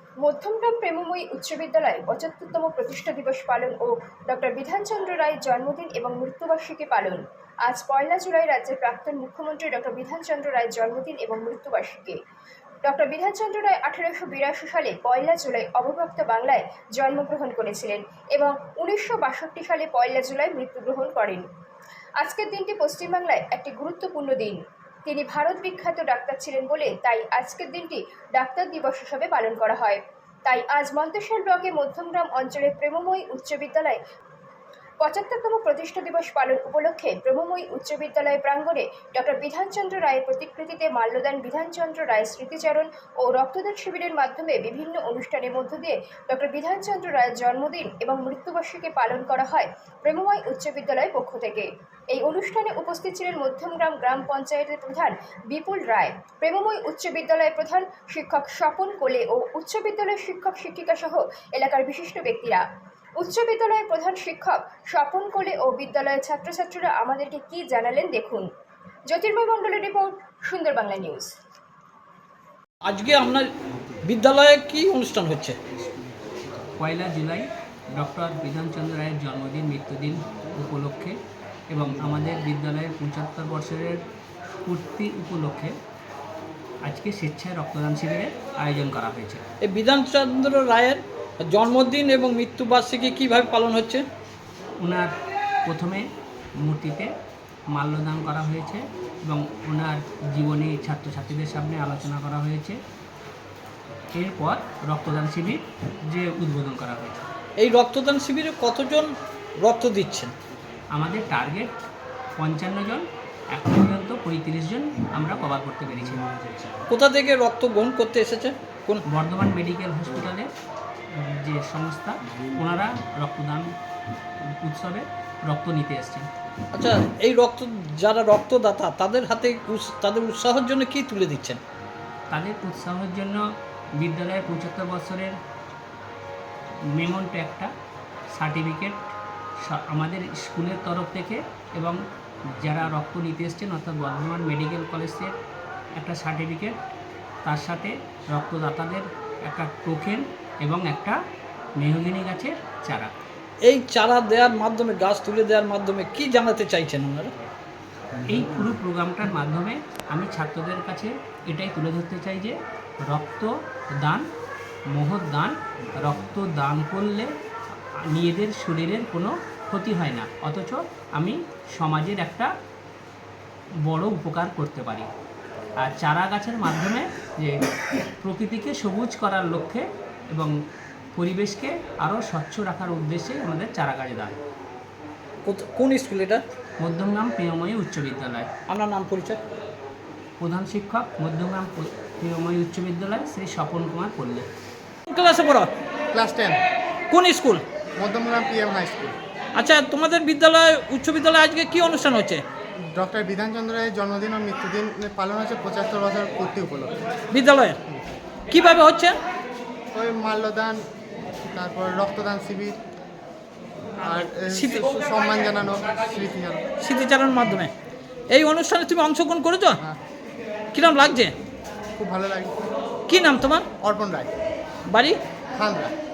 মধ্যমগ্রাম প্রেমময়ী উচ্চ বিদ্যালয়ে ৭৫তম প্রতিষ্ঠা দিবস পালন ও ডক্টর বিধানচন্দ্র রায়ের জন্মদিন এবং মৃত্যুবার্ষিকী পালন। আজ ১লা জুলাই রাজ্যের প্রাক্তন মুখ্যমন্ত্রী ডক্টর বিধানচন্দ্র রায়ের জন্মদিন এবং মৃত্যুবার্ষিকী। ডক্টর বিধানচন্দ্র রায় ১৮৮২ সালে ১লা জুলাই অবভক্ত বাংলায় জন্মগ্রহণ করেছিলেন এবং ১৯৬২ সালে ১লা জুলাই মৃত্যুগ্রহণ করেন। আজকের দিনটি পশ্চিমবাংলায় একটি গুরুত্বপূর্ণ দিন। তিনি ভারত বিখ্যাত ডাক্তার ছিলেন বলে তাই আজকের দিনটি ডাক্তার দিবস হিসাবে পালন করা হয়। তাই আজ মন্তেশ্বর ব্লকে মধ্যমগ্রাম অঞ্চলের প্রেমময়ী উচ্চ বিদ্যালয়ে ৭৫তম প্রতিষ্ঠা দিবস পালন উপলক্ষে প্রেমময়ী উচ্চ বিদ্যালয় প্রাঙ্গণে ডক্টর বিধানচন্দ্র রায়ের প্রতিকৃতিতে মাল্যদান, বিধানচন্দ্র রায়ের স্মৃতিচারণ ও রক্তদান শিবিরের মাধ্যমে বিভিন্ন অনুষ্ঠানের মধ্য দিয়ে ডক্টর বিধানচন্দ্র রায়ের জন্মদিন এবং মৃত্যুবার্ষিকী পালন করা হয় প্রেমময়ী উচ্চ বিদ্যালয়ের পক্ষ থেকে। এই অনুষ্ঠানে উপস্থিত ছিলেন মধ্যমগ্রাম গ্রাম পঞ্চায়েতের প্রধান বিপুল রায়, প্রেমময়ী উচ্চ বিদ্যালয়ের প্রধান শিক্ষক স্বপন কোলে ও উচ্চ বিদ্যালয়ের শিক্ষক শিক্ষিকা সহ এলাকার বিশিষ্ট ব্যক্তিরা। উচ্চ বিদ্যালয়ের প্রধান শিক্ষক স্বপন কোলে ও বিদ্যালয়ের ছাত্রছাত্রীরা আমাদেরকে কি জানালেন দেখুন। জ্যোতির্ময় মণ্ডলের রিপোর্ট, সুন্দর বাংলা নিউজ। আজকে আপনার বিদ্যালয়ে কি অনুষ্ঠান হচ্ছে? ১লা জুলাই ডক্টর বিধানচন্দ্র রায়ের জন্মদিন মৃত্যুদিন উপলক্ষে এবং আমাদের বিদ্যালয়ের ৭৫ বছরের পূর্তি উপলক্ষে আজকে স্বেচ্ছায় রক্তদান শিবিরের আয়োজন করা হয়েছে। এই বিধানচন্দ্র রায়ের জন্মদিন এবং মৃত্যুবার্ষিকী কীভাবে পালন হচ্ছে? ওনার প্রথমে মূর্তিতে মাল্যদান করা হয়েছে এবং ওনার জীবনী ছাত্রছাত্রীদের সামনে আলোচনা করা হয়েছে। এরপর রক্তদান শিবির যে উদ্বোধন করা হয়েছে। এই রক্তদান শিবিরে কতজন রক্ত দিচ্ছেন? আমাদের টার্গেট ৫৫ জন, এখন পর্যন্ত ৩৫ জন আমরা কভার করতে পেরেছি। কোথা থেকে রক্ত গ্রহণ করতে এসেছে? কোন? বর্ধমান মেডিকেল হসপিটালে যে সংস্থা, ওনারা রক্তদান উৎসবে রক্ত নিতে এসছেন। আচ্ছা, এই যারা রক্তদাতা তাদের হাতে তাদের উৎসাহের জন্য কি তুলে দিচ্ছেন? তাদের উৎসাহের জন্য বিদ্যালয়ের ৭৫ বছরের মেমোন্টো একটা সার্টিফিকেট আমাদের স্কুলের তরফ থেকে এবং যারা রক্ত নিতে এসছেন অর্থাৎ বর্ধমান মেডিকেল কলেজের একটা সার্টিফিকেট, তার সাথে রক্তদাতাদের একটা টোকেন এবং একটা মেহগিনি গাছের চারা। এই চারা দেওয়ার মাধ্যমে, গাছ তুলে দেওয়ার মাধ্যমে কি জানাতে চাইছেন আপনারা? এই পুরো প্রোগ্রামটার মাধ্যমে আমি ছাত্রদের কাছে এটাই তুলে ধরতে চাই যে রক্তদান মহৎ দান। রক্ত দান করলে নিজেদের শরীরের কোনো ক্ষতি হয় না, অথচ আমি সমাজের একটা বড় উপকার করতে পারি। আর চারা গাছের মাধ্যমে যে প্রকৃতিকে সবুজ করার লক্ষ্যে এবং পরিবেশকে আরও স্বচ্ছ রাখার উদ্দেশ্যে আমাদের চারা গাছ দেয়। কোন স্কুল এটা? মধ্যমগ্রাম প্রেমময়ী উচ্চ বিদ্যালয়। আপনার নাম পরিচয়? প্রধান শিক্ষক, মধ্যমগ্রাম প্রেমময়ী উচ্চ বিদ্যালয়, শ্রী স্বপন কুমার পল্লী। কোন ক্লাসে পড়ো? ক্লাস 10। কোন school? Madhyamgram PM high school. আচ্ছা, তোমাদের বিদ্যালয় উচ্চ বিদ্যালয়ে আজকে কি অনুষ্ঠান হচ্ছে? ডক্টর বিধানচন্দ্র রায়ের জন্মদিন ও মৃত্যুদিন পালন হচ্ছে ৭৫ বছর পূর্তি উপলক্ষে। বিদ্যালয়ে কিভাবে হচ্ছে? ওই মাল্যদান, তারপর রক্তদান শিবির আর সম্মান জানানো, স্মৃতিচারণের মাধ্যমে। এই অনুষ্ঠানে তুমি অংশগ্রহণ করেছো? হ্যাঁ। কিরম লাগছে? খুব ভালো লাগে। কি নাম তোমার? অর্পণ রায়, বাড়ি? খানরা।